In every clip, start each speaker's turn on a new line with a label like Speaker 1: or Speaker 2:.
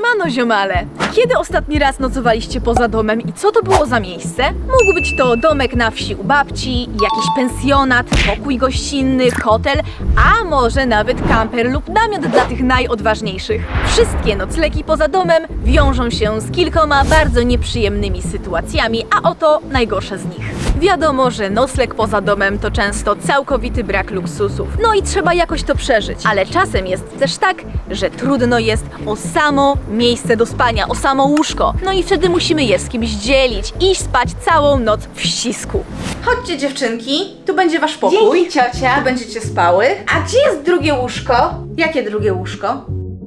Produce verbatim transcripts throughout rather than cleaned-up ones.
Speaker 1: Siemano ziomale! Kiedy ostatni raz nocowaliście poza domem i co to było za miejsce? Mógł być to domek na wsi u babci, jakiś pensjonat, pokój gościnny, hotel, a może nawet kamper lub namiot dla tych najodważniejszych. Wszystkie noclegi poza domem wiążą się z kilkoma bardzo nieprzyjemnymi sytuacjami, a oto najgorsze z nich. Wiadomo, że nocleg poza domem to często całkowity brak luksusów. No i trzeba jakoś to przeżyć. Ale czasem jest też tak, że trudno jest o samo miejsce do spania, o samo łóżko. No i wtedy musimy je z kimś dzielić, iść spać całą noc w ścisku.
Speaker 2: Chodźcie dziewczynki, tu będzie wasz pokój.
Speaker 1: Dzięki, ciocia.
Speaker 2: Tu będziecie spały. A gdzie jest drugie łóżko? Jakie drugie łóżko?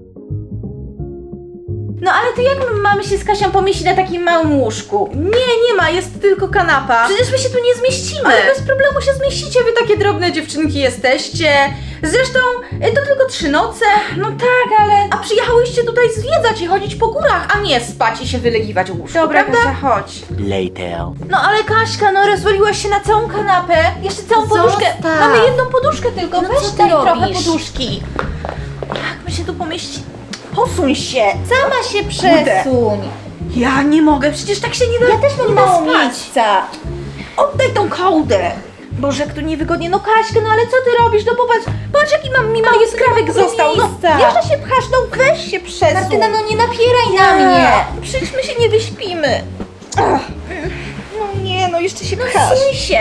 Speaker 2: No ale to jak my mamy się z Kasią pomieścić na takim małym łóżku? Nie, nie ma, jest tylko kanapa. Przecież my się tu nie zmieścimy. Ale bez problemu się zmieścicie, wy takie drobne dziewczynki jesteście. Zresztą y, to tylko trzy noce. No tak, ale... A przyjechałyście tutaj zwiedzać i chodzić po górach, a nie spać i się wylegiwać w łóżku,
Speaker 3: Dobra,
Speaker 2: prawda?
Speaker 3: Kasia, chodź.
Speaker 4: Later.
Speaker 2: No ale Kaśka, no rozwaliłaś się na całą kanapę. Jeszcze całą poduszkę.
Speaker 3: Zostaw.
Speaker 2: Mamy jedną poduszkę tylko.
Speaker 3: No
Speaker 2: Weź
Speaker 3: co ty
Speaker 2: daj trochę
Speaker 3: robisz?
Speaker 2: poduszki. Jak my się tu pomieści? Posuń się.
Speaker 3: Sama się przesuń.
Speaker 2: Ja nie mogę, przecież tak się nie da.
Speaker 3: Ja też mam
Speaker 2: nie da
Speaker 3: mało
Speaker 2: spać.
Speaker 3: miejsca.
Speaker 2: Oddaj tą kołdę. Boże, jak tu niewygodnie. No Kaśka, no ale co ty robisz? No popatrz, patrz jaki mam mi mały skrawek
Speaker 3: tego
Speaker 2: został. No,
Speaker 3: miejsca.
Speaker 2: jeszcze się pchasz, no weź się przesuń.
Speaker 3: Martyna, no nie napieraj na mnie.
Speaker 2: Przecież my się nie wyśpimy. Ach. No nie, no jeszcze się pchasz.
Speaker 3: Suń się.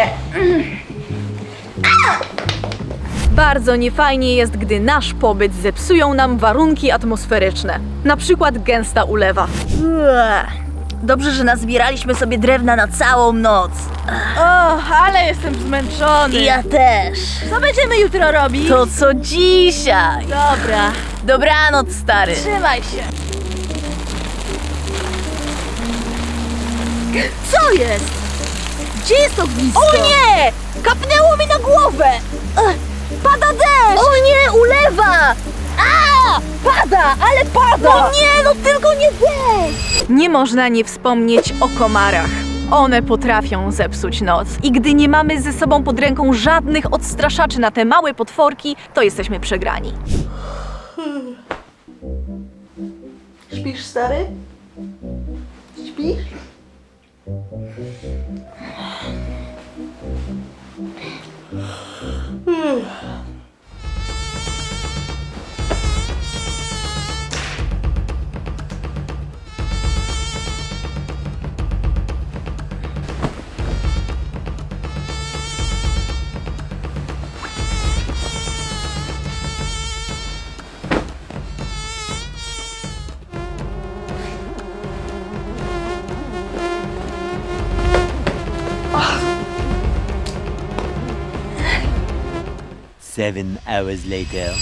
Speaker 1: Bardzo niefajnie jest, gdy nasz pobyt zepsują nam warunki atmosferyczne. Na przykład gęsta ulewa.
Speaker 3: Dobrze, że nazbieraliśmy sobie drewna na całą noc.
Speaker 1: O, ale jestem zmęczony.
Speaker 3: Ja też.
Speaker 1: Co będziemy jutro robić?
Speaker 3: To co dzisiaj.
Speaker 1: Dobra.
Speaker 3: Dobranoc, stary.
Speaker 1: Trzymaj się.
Speaker 3: Co jest? Gdzie jest ognisko?
Speaker 1: O nie! Kapnęło mi na głowę!
Speaker 3: Ech, pada deszcz! O nie, ulewa! A! Pada, ale pada!
Speaker 1: No nie, no tylko nie deszcz! Nie można nie wspomnieć o komarach. One potrafią zepsuć noc. I gdy nie mamy ze sobą pod ręką żadnych odstraszaczy na te małe potworki, to jesteśmy przegrani.
Speaker 2: Śpisz, stary? Śpisz?
Speaker 4: Seven hours later.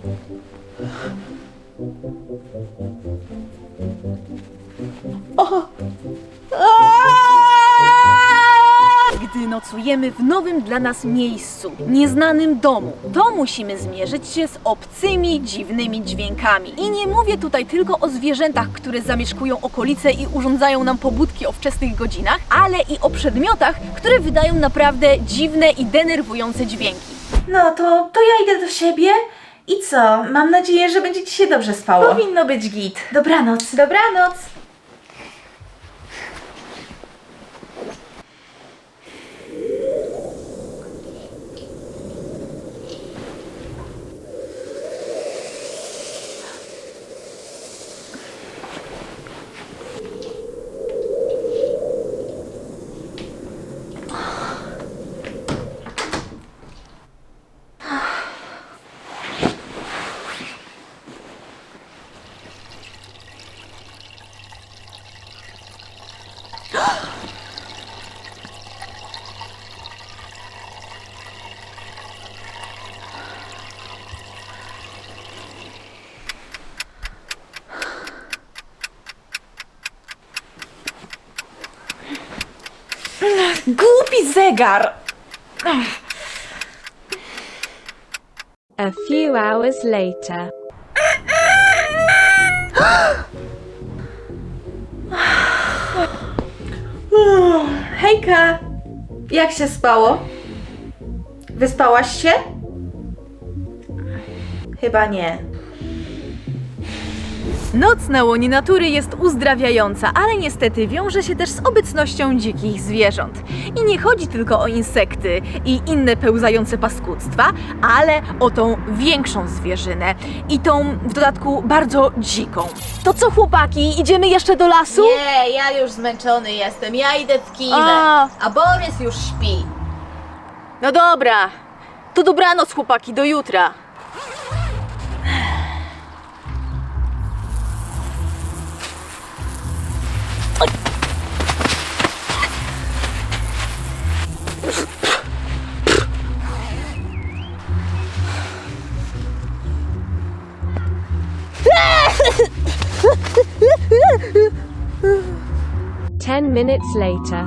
Speaker 1: Gdy nocujemy w nowym dla nas miejscu, nieznanym domu, to musimy zmierzyć się z obcymi, dziwnymi dźwiękami. I nie mówię tutaj tylko o zwierzętach, które zamieszkują okolice i urządzają nam pobudki o wczesnych godzinach, ale i o przedmiotach, które wydają naprawdę dziwne i denerwujące dźwięki.
Speaker 2: No to, to ja idę do siebie. I co? Mam nadzieję, że będzie ci się dobrze spało.
Speaker 3: Powinno być git.
Speaker 2: Dobranoc. Dobranoc. Głupi zegar.
Speaker 5: A few hours later.
Speaker 2: Hejka. Jak się spało? Wyspałaś się? Chyba nie.
Speaker 1: Noc na łonie natury jest uzdrawiająca, ale niestety wiąże się też z obecnością dzikich zwierząt. I nie chodzi tylko o insekty i inne pełzające paskudztwa, ale o tą większą zwierzynę i tą w dodatku bardzo dziką. To co, chłopaki, idziemy jeszcze do lasu?
Speaker 2: Nie, ja już zmęczony jestem, ja idę w kinę,
Speaker 1: A.
Speaker 2: a Borys już śpi.
Speaker 1: No dobra, to dobranoc, chłopaki, do jutra.
Speaker 5: Ten minutes later.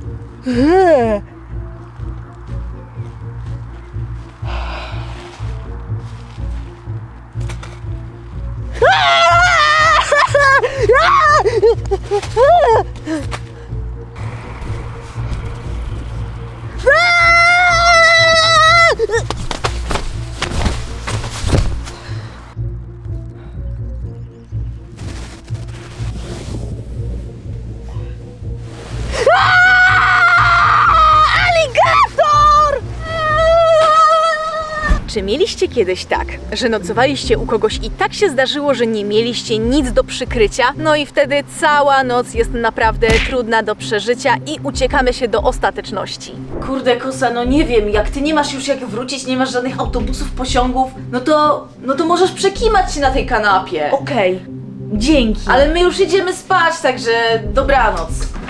Speaker 1: Czy mieliście kiedyś tak, że nocowaliście u kogoś i tak się zdarzyło, że nie mieliście nic do przykrycia? No i wtedy cała noc jest naprawdę trudna do przeżycia i uciekamy się do ostateczności.
Speaker 2: Kurde, Kosa, no nie wiem, jak ty nie masz już jak wrócić, nie masz żadnych autobusów, pociągów, no to, no to możesz przekimać się na tej kanapie.
Speaker 1: Okej, dzięki.
Speaker 2: Ale my już idziemy spać, także dobranoc.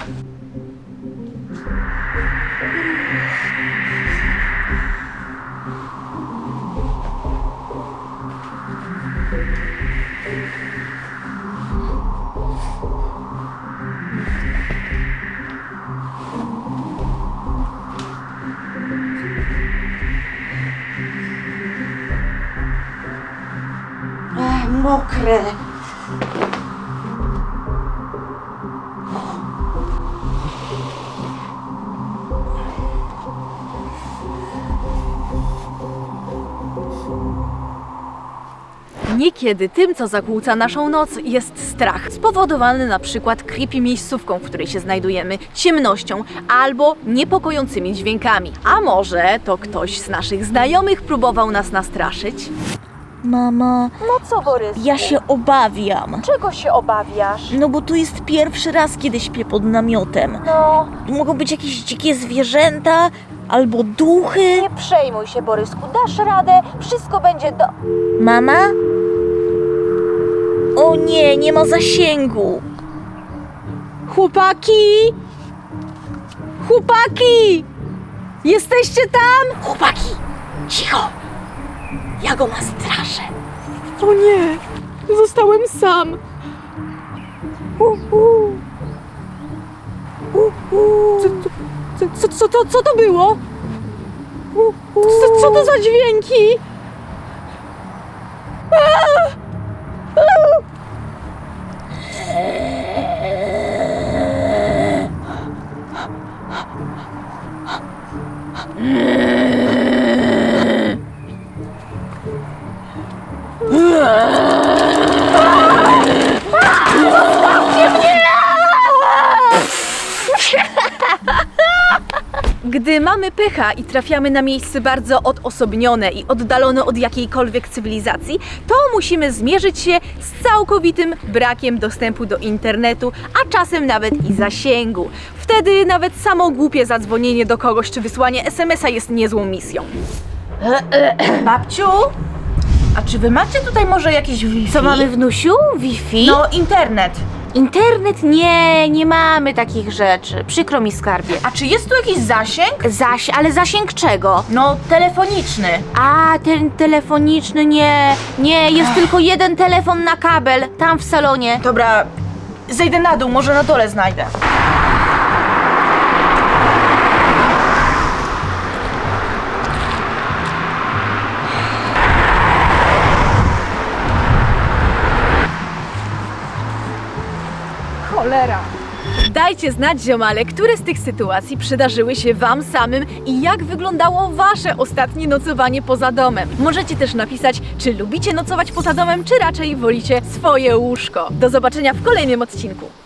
Speaker 2: Ach, mokre.
Speaker 1: Niekiedy tym, co zakłóca naszą noc, jest strach, spowodowany na przykład creepy miejscówką, w której się znajdujemy, ciemnością albo niepokojącymi dźwiękami. A może to ktoś z naszych znajomych próbował nas nastraszyć?
Speaker 3: Mama,
Speaker 1: No co, Borys?
Speaker 3: ja się obawiam.
Speaker 1: Czego się obawiasz?
Speaker 3: No bo tu jest pierwszy raz, kiedy śpię pod namiotem.
Speaker 1: No,
Speaker 3: Tu mogą być jakieś dzikie zwierzęta albo duchy.
Speaker 1: nie przejmuj się, Borysku, dasz radę, wszystko będzie do...
Speaker 3: Mama? O nie, nie ma zasięgu.
Speaker 1: Chłopaki! Chłopaki! Jesteście tam?
Speaker 3: Chłopaki, cicho. Ja go nastraszę.
Speaker 1: O nie, zostałem sam. Co, co, co, co, to, co to było? Co, co to za dźwięki? Gdy mamy pecha i trafiamy na miejsce bardzo odosobnione i oddalone od jakiejkolwiek cywilizacji, to musimy zmierzyć się z całkowitym brakiem dostępu do internetu, a czasem nawet i zasięgu. Wtedy nawet samo głupie zadzwonienie do kogoś czy wysłanie es em es a jest niezłą misją.
Speaker 2: Babciu? A czy wy macie tutaj może jakieś Wi-Fi?
Speaker 3: Co mamy, wnusiu? Wi-Fi?
Speaker 2: No, internet.
Speaker 3: Internet? Nie, nie mamy takich rzeczy. Przykro mi, skarbie.
Speaker 2: A czy jest tu jakiś zasięg?
Speaker 3: Zaś, ale zasięg czego?
Speaker 2: No, telefoniczny.
Speaker 3: A, ten telefoniczny nie. Nie, jest tylko jeden telefon na kabel, tam w salonie.
Speaker 2: Dobra, zejdę na dół, może na dole znajdę.
Speaker 1: Cholera! Dajcie znać, ziomale, które z tych sytuacji przydarzyły się wam samym i jak wyglądało wasze ostatnie nocowanie poza domem. Możecie też napisać, czy lubicie nocować poza domem, czy raczej wolicie swoje łóżko. Do zobaczenia w kolejnym odcinku.